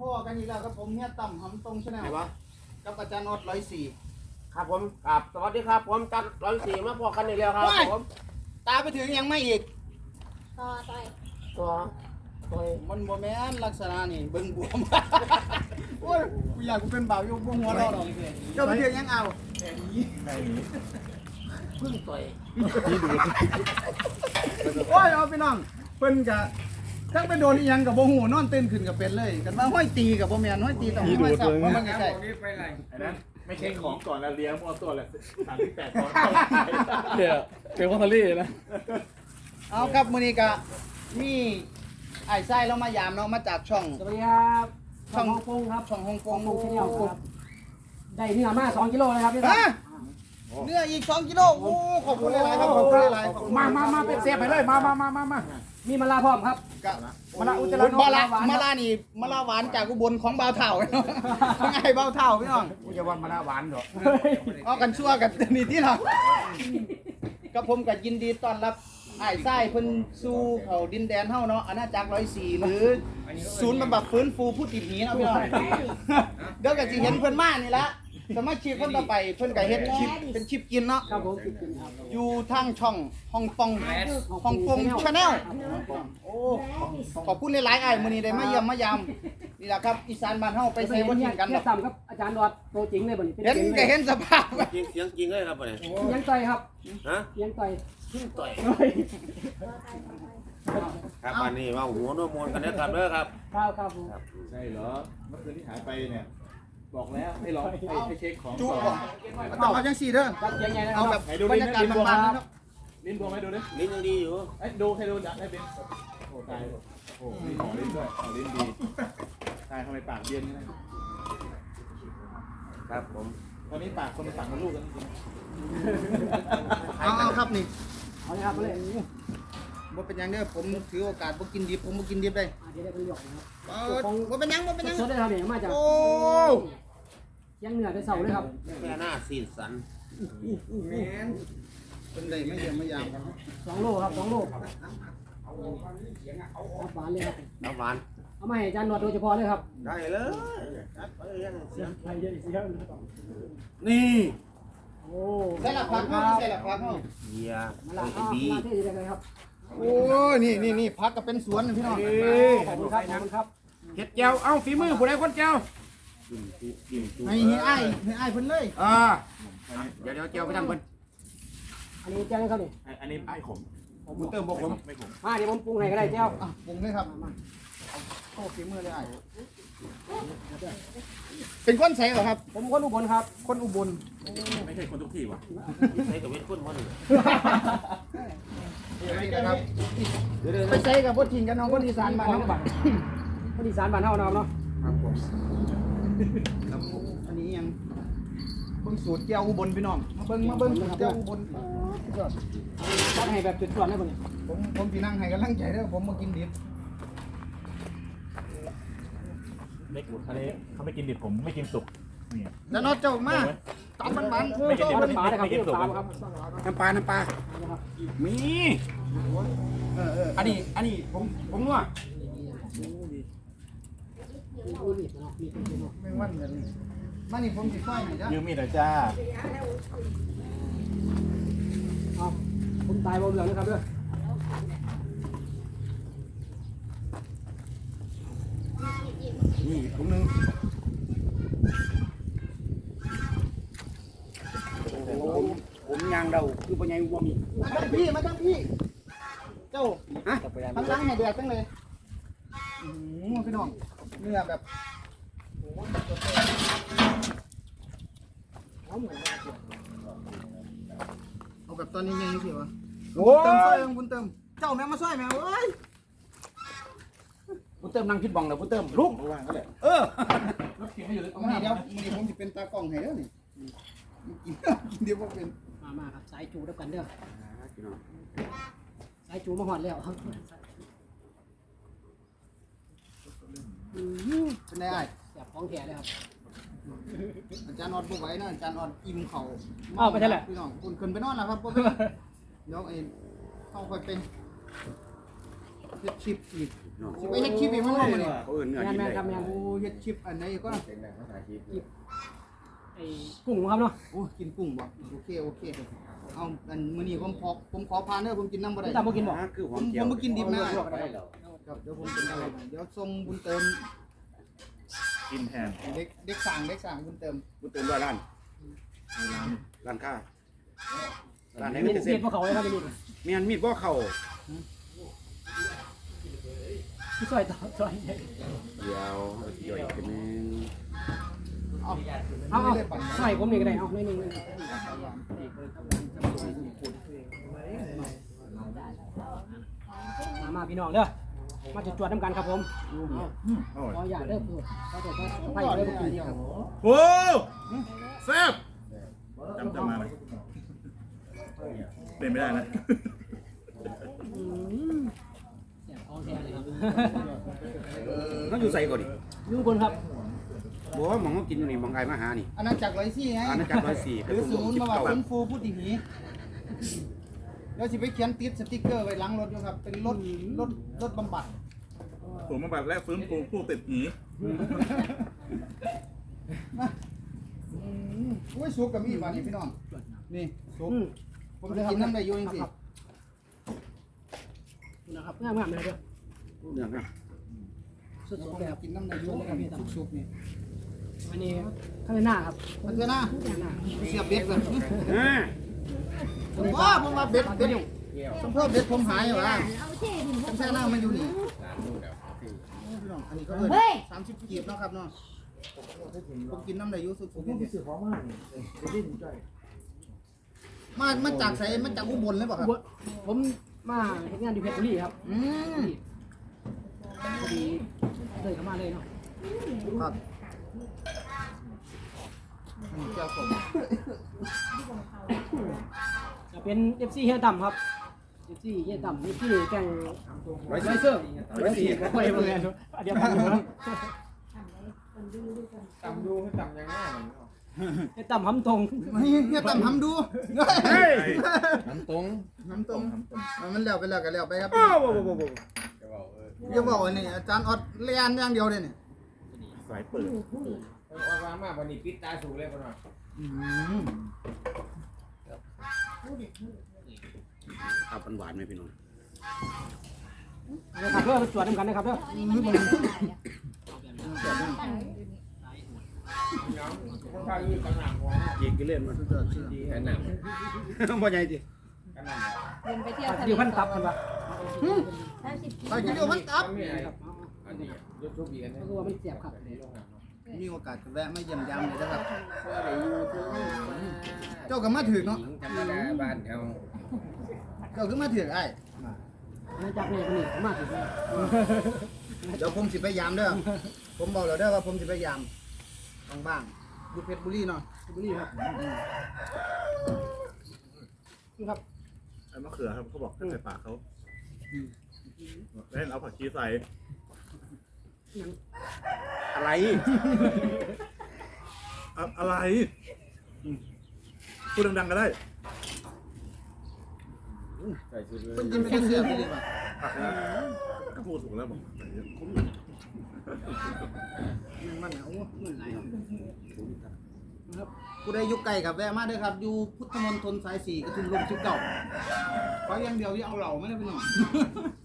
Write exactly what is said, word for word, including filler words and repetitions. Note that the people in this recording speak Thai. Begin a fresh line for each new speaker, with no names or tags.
พ่อกันอีกแล้วครับผมเฮียต่ำหำตรงชาแนลกับอาจารย์ออดร้อยสี่
ครับผมครับสวัสดีครับผมจัดร้อยสี่มาพอกันอีกแล้วครับผม
ตาไปถึงยังไม่อีก
ต่อต่อย
ตัวตัว
มันโมแมนลักษณะนี่เบิ่งบวมโอ้ยกูอยากกูเป็นบ่าวอยู่บนหัวเราหรอกเจ้าไปถึงยังเอา
พึ่งต่อย
โอ้ยเอาพี่น้องเพิ่นกะทั้งไปโดนอีหยังกับโบหูนอนตื่นขึ้นกับเป็นเลยกันมาห้อยตีกับโบแมนห้อยตีต้องห้อยสับเพราะมันใกล้
อันนั้นไม่ใช่ของก่อนแล้วเลี้ยงมัวตัวแหละสามที่แปดตอน
เดี๋ยวเป็นคอนเทรี่นะ
เอาครับมื้อนี้กะมีไอ้ไส้เรามายามเนาะมาจากช่อง
สวัสดีครับ
ช่
ช่
อ
อง งฮ่องกงครับ
ช่องฮ่องก
ฮ่อง งกงชาแนล
โอ้
ครับได้เนื้อมาสองกิโลเลยครับพี่ค
ฮะ
รับ
เนื้ออีกสองกิโลโอ้ขอบคุณหลายๆครับขอบคุณหลายๆขอบคุณ
มามามาเป็นเซฟไปเลย มามามามามา
มีมะลาพร้อมครับ
กะ
มะละอุจจาระนก
มะละ
หวาน
มะละนี่มะละหวานจากอุบลของบ่าวเฒ่าเนาะของไอ้บ่าวเฒ่าพี่น้อง
กูจะว่ามาละหวานเหรอ
เอากันชั่วกันนี่ที่เราก็ผมก็ยินดีต้อนรับไอ้ไส้เพิ่นสู่เขาดินแดนเฮาเนาะอาณาจักรร้อยสี่หรือศูนย์บำบัดฟื้นฟูผู้ติดหนีเนาะพี่น้องเดี๋ยวก็สิเห็นเพิ่นมานี่ละสมาชิกคนต่อไปเพิ่นก็เฮ็ดคลิปเป็นคลิปกินเนาะ
ครับผมกินครับ
อยู่ทางช่องฮ่องกงฮ่องกงชาแนลโอ้ขอบคุณหลายๆไอ้มื้อนี้ได้มาเยี่ยมมายามนี่ล่ะครับอีสานบ้านเฮาไปใส่บ่ทิ้งกัน
เนี่
เนาะ
ยต่ำครับอาจารย์ดอดตัวจริงเลยบ่นี่
เห็นก็เห็นสภาพ
จริงเสียงจริงเลยครับเนี่ย
ยังต่อยครับ
ฮะ
ยังต่อย
พึ่งต่อย
เฮ้ย
ครับวันนี้ว่าหัวโนมนกันนะครับเด้อครับ
ครับครับผม
ใช่เหรอเมื่อคืนที่หายไปเนี่ยบอกแล้วให้ลองให้ให้เช็คของ
จุ๊บ
ก่
บ่
อน
ต้องเอาจังซี่เด้อ
ครับยังไงนะค
เอา
รับ
แบบบรรยากาศบ้านๆนะครับ
ลิ้นบวมไหมดูดิ
ลิ้นยังดีอยู่
เอ้ยดูให้ดูดักให้เป็นโอ้ตายโอ้มีของลิ้นด้วยของลิ้นดีตายทำไมปากเบี้ยนนี่นะครับ
ผม
ตอนนี้ปากคนปากมันลูกกันจริง
เอาเอาครับนี่
เอาเลยครับเอาเลย
บ่เป็นหยังเด้อผมถือโอกาสบ่กินดิบผมบ่กินดิบได้
อ่ะเดี๋ยวได้เป็นหยกนะครับ
เออบ่เป็นหยังบ่เป็นหยัง
สดๆได้ครับเนี่ยมาจาก
โอ้
ยังเหนือไปเสาเลยครับ
แม่หน้าสีสัน
แม่นเป็นได้ไม่เยี่ยมไม่ยาม
สองโลครับสองโลครับหวานเลยครับ
น้ำหวาน
เอามาให้อาจารย์ดอดโดยเฉพาะเลยครับ
ได้เลยครับไปเลยเสียง
ใครจะเสีย
นี่
โอ้
ใส่ละพักเฮาใส่ละพักเฮา
เฮีย
มาละ
ไอ้
เอา
บี
มาเทศเลยครับ
โอ้ยนี่นี่นี่พักก็เป็นสวนนะพี่น้อง
ขอบคุณครับขอบคุณครับ
เห็ดเจียว เอ้าฝีมือผู้ใดคนเจียว
กินจุกินจุ
ให้ให้อ้ายให้อ้ายเพิ่นเลย
อ่าเดี๋ยวเดี๋ยวเจียวไปทำเพิ่น
อันนี้แจ้งครับนี่
อันนี้ไอ้ขม
บุญเติมบ่ผม
ไม่ขม
มาเดี๋ยวผมปรุงให้ก็ได้เจ้า
อ่ะปรุงเลยครับ
มา
โอ้ฝีมือเลยอ้ายเป็นคนใส่เหรอครับ
ผมคนอุบลครับ
คนอุบล
ไม่ใช่คนทุกที่ว่ะ
ใช้กับเวทพุ่นมัน
นี่นะครับ
เดี๋ยวเดี๋ยว
ไปใส่กับพวกทิ้งกันน้องคนอีสานบ้าน
น้อง
เฮา
บัตรคนอีสานบ้านเฮาเนาะเนาะ
ครับผมครับผมอันนี้ยังเบิ่งสูตรแก้วอุบลพี่น้องมาเบิ่งมาเบิ่งสูตรแก้วอุบล
จัดให้แบบจุดส่วนได้บ่นี่
ผมผมสินั่งให้กำลังใจเด้อผมมากินดิบ
ไม่กุดอันนี้เขาไม่กินดิบผมไม่กินสุกนี่
แล้วนอเจ้ามาตำมันมันๆ
ไม่กินดิบ
เอาน้ำปลาได้ครับ
ไม่กินสุก
น้ำปลาครับ
น้ำปลา น้ำปลา
นะครับ
มี
เออเออ
อันนี้ อันนี้ผม ผมนัว
มีมีดเนาะมีดเนาะ
แม่งวันกันนี่มานี่ผมสิซอยให้จ้ะ
ยืมมีดหน่อยจ้า
เอาผมตายบ่เหลืองนะครับเด้อ
นี่ถุงหนึง ผมผมยางเดาคือปัญญาวัวมี
มาทั้งพี่มาทั้งพี่ เจ้า
ฮะ
ทำล้างให้เดือดจังเลยอืมพี่น้องเนื้อแบบ
เอาเหมือนกัน
เอาแบบตอนนี้ยังสิวะ
โอ้
เติมซอย ยบุญเติม เจ้าแม่งมาซอยแม่งเอ้ย
บุญเติมนั่งคิดบองแล้วบุญเติมลุก
ว่างก็แหละ
เออ
รถเข็นให้อยู่เลย
เอามาเดี๋ยวมื้อนี้ผมสิเป็นตากล้องให้เด้อนี่กินกินเดี๋ยวบ่เป็น
มามาครับสายจูด้วยกันเด้อสายจูมาหอดแล้วครับอืม
เป็นไงอ้าย
แสบของแท้เลยครับ
อาจารย์ออดบ่ไหวนะอาจารย์ออดอิ่มเข่า
อ้าวไปใช่แหละ
พี่น้องคุณขึ้นไปนอนแล้วครับบ่เป็นเดี๋ยวไอ้เข้าค่อยเป็นเฮ็ดชิปอีกสิไปเฮ็ดชิปอีกมันบ่มื้อนี้
เขาเอิ้นเนื้อ
แม
ดิ
น
น
แมน
ได้
ครับแมน
โอ้เฮ็ดชิปอันไหนก็
ไอ้กุ้งครับเนาะ
โอ้กินกุ้งบ่โอเคโอเคเอาอันมื้อนี้ผมขอผมขอพานเด้อผมกินน้ำบ่ได้
ตามบ่กินบ่
นะคือห
ผ
อ
ม
ม
ผ
เจียว
มบ่กินดิบนะ
ลวกได้
ครับเดี๋ยวผมเป็นอะไรเดี๋ยวส่งบุญเติม
กินแทน
เด็กเด็กสั่งเด็กสั่งบุญเติม
บุญเติมด้วยร้านร้านค้าร้านไหน
มี
มี
ด
แต่เส้น
พวกเขาเลยครับมีด
เมียนมีดบ่เข้า
ที่ซอยต่อซอย
เดี๋ยวย่อยอีกนึง
เอา
เอาเอาซอยผมนี่ก็ได้เอาหน่อยหนึงมามาพี่น้องเด้อมาจุดจวดน้ำกันครับผม
อร่อย
ขออย่าเด้อพูดเขาจะไปไปเลยกินเดียว
โอ้แซ่บจำจำมาไหมเป็นไม่ได้นะ
อืมแซ่บของแท้เลยครับ
เขาอยู่ใส่ก่อนดิ
อยู่บนครับ
บอกว่าหมองเขากินอยู่นี่หมองไอ้มาหานี่
อาณาจักรร้อยสี่ไง
อาณาจักรร้อยสี่
หรือศูนย์มาว่าฟื้นฟูผู้ติดหนีเดี๋ยวสิไปเขียนติดสติ๊กเกอร์ไว้หลังรถอยู่ครับเป็นรถรถรถบำบัด
ผมมาแบบแรกฟื้นฟูผู้ติดหนี
มาอืมโอ้ยสุกกับมีบาดนี่พี่น้องนี่สุก
อืม
ผมจะกินน้ำได้อยู่จริง
นะครับงามงามเลยเด้อ
เรื่องนะ
สุด
ๆผม
ๆเลยครับ
กินน้ำได้อยู่นะครับสุกๆนี่
อันนี้ข้างหน้าครับ
มันจะน่า
ข้างหน้า
เสียบเบ็ดเลย
อ่า
ผมว่าผมว่าเบ็ดเบ็ดสมเพิ่มเบ็ดผมหายอยู่ว่า
เอาเท่ดิน
ผมแช่น้ามันอยู่นี่พี่น้องอันนี้ก็เอิ้นสามสิบกีบเนาะครับเนาะผมกินน้ำได้อยู่สุกๆนี่มามาจากไสมาจากอุบลเลยป่ะครับ
ผมมาเฮ็ดงานอยู่เพชรบุรีครับ
อืม
พอดีเลยเข้ามาเลยเนาะ
ครับอันนี้เจ้าผม
จะเป็น เอฟ ซี เฮียต่ำครับ เอฟ ซี เฮียต่ำ เอฟ ซี แกงไวเซอร์
ร้อยสี่
ไม่เหมือนกันเดียวกันอยู่ครับ
ต่ำดูต่ำยังไง
เฮียต่ำหำตรง
เนี่ยตำทำดู
น้ำตรง
น้ำต้มมันแล้วไปแล้วกันแล้วไปครับ
โอ้โหโอ้โหโอ้โห
อย่าบอกว่านี่อาจารย์ออดเลียนอย่างเดียวเลยเนี่ย
สายเปิด
ว่าว่ามาวันนี้ปิดตาสูงเลยคนน่ะ
อืม
เอาหวานๆไหมพี่น้อง
นะครับเพื่อตรวจน้ำกันนะครับเพื่อ
น้องคนไทยยืนกันหนักหัว
ยิงกินเล่นมัน
ดีกันหนัก
บ่ใหญ่ดิ
กันหนัก
เดินไปเที่ยวทะเล
เดี๋ยวพันตับกันปะ
สามสิบ
ไปกินเดียวมันตับ
ไม่อะไรอันนี้ยกทุกปีกัน
ก็คือว่ามันเสียบครับ
มีโอกาสแวะมาเยี่ยมยามเลยนะครับ เจ้าก็มาถึงเนาะ
ธรรมดาบ้านเขา
เจ้าก็มาถึงไอ้
มาจากนี่คนนี้มาถึงนี่
เดี๋ยวผมสิไปยามเด้อผมบอกแล้วเด้อว่าผมสิไปยามบ้างๆอยู่เพชรบุรีเนาะ
บุรีครับนี่ครับ
ไอ้มะเขือครับเขาบอกให้ใส่ปากเขาแล้วเอาผักชีใส่
อะไร
อะอะไรอืมพูดดังๆก็ได้
ใส่ชุดเลย
เพิ่นกินไปได้เสื้อไปเลยป่ะ
ผักนะก็พูดถูกแล้วบอก
มันเอามันไหลนะครับผู้ใดอยู่ไกลกับแวะมาเด้อครับ อยู่พุทธมณฑลสายสี่กระทุ่มลมชิบเก่าขออย่างเดียวอย่าเอาเหล่าไม่ได้ไปหน่อย